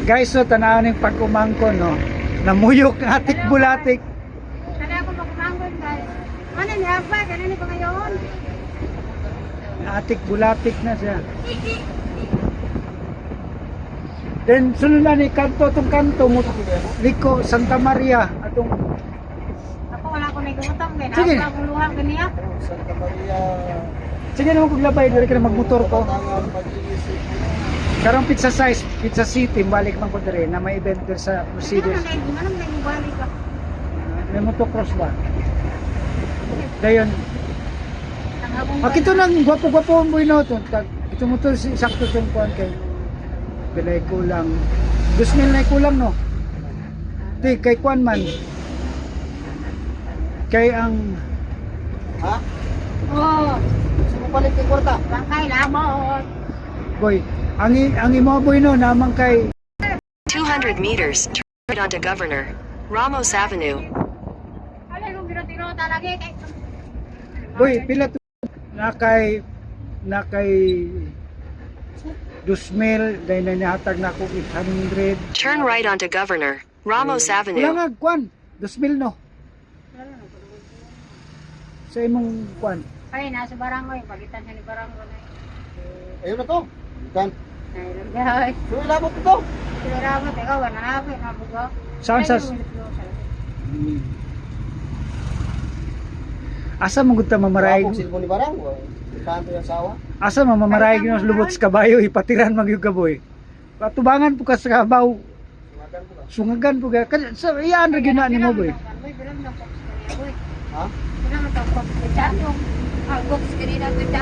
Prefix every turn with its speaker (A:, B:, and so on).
A: Guys, so tanaw ning pag-umangkon no. Namuyok ng atik bulatik.
B: Kada ako magkumanggon guys. Ano ni Abba? Ganun ni pa ngayon.
A: Atik bulatik na siya. Then sunod na ni kanto tong kanto mo Liko Santa Maria atong
B: Ako wala ko nagutang kay
A: Sige.
B: na akong luha kaniya.
C: Santa Maria.
A: sige na mo paglabay diri ka na magmotor ko. Karong pizza size, Pizza City balik man ko diri na may event diri sa Mercedes.
B: Ano na balik ka?
A: May motocross ba? Dayon.
B: Nangabong.
A: Akito nang gwapo-gwapo mo ino to. Ito mo to sakto tong kuan kay bilay kulang. 2,000 na kulang no. Di kay kuan man. Kay ang
C: Ha?
B: Oh,
C: Gusto mo palit ng kwarta?
B: bangkay lamot.
A: boy, ang imo boy no namang kay
D: 200 meters, turn right onto Governor Ramos Avenue.
B: Ala nung biro-tiro talagi kay.
A: boy pila to na kay 2,000 dahil na nihatag na ako 800.
D: Turn right onto Governor Ramos
A: Wala
D: Avenue.
A: nga kuan 2,000 no. Sa imong kuan.
B: Kaya nasa barangoy, pagitan siya ni barangoy.
C: Ayun na to. Kan.
B: Ayun guys.
C: So ilabot ito.
B: Sila ramot, ikaw, wanapit, nabugo.
A: Saan sa asa mo gud ta mamaray?
C: Ilabot silbo ni Barang. Kanto yung asawa.
A: Asa mamamaray gino lubot sa kabayo ipatiran magyug ka boy. Patubangan po ka sa kabaw.
C: Sumakan ko ba?
A: Sungagan po ka. Sa iyaan ra gyud na nimo boy.
C: Ha?
B: Kailangan ito, box. Chatong. Box, kanina ito,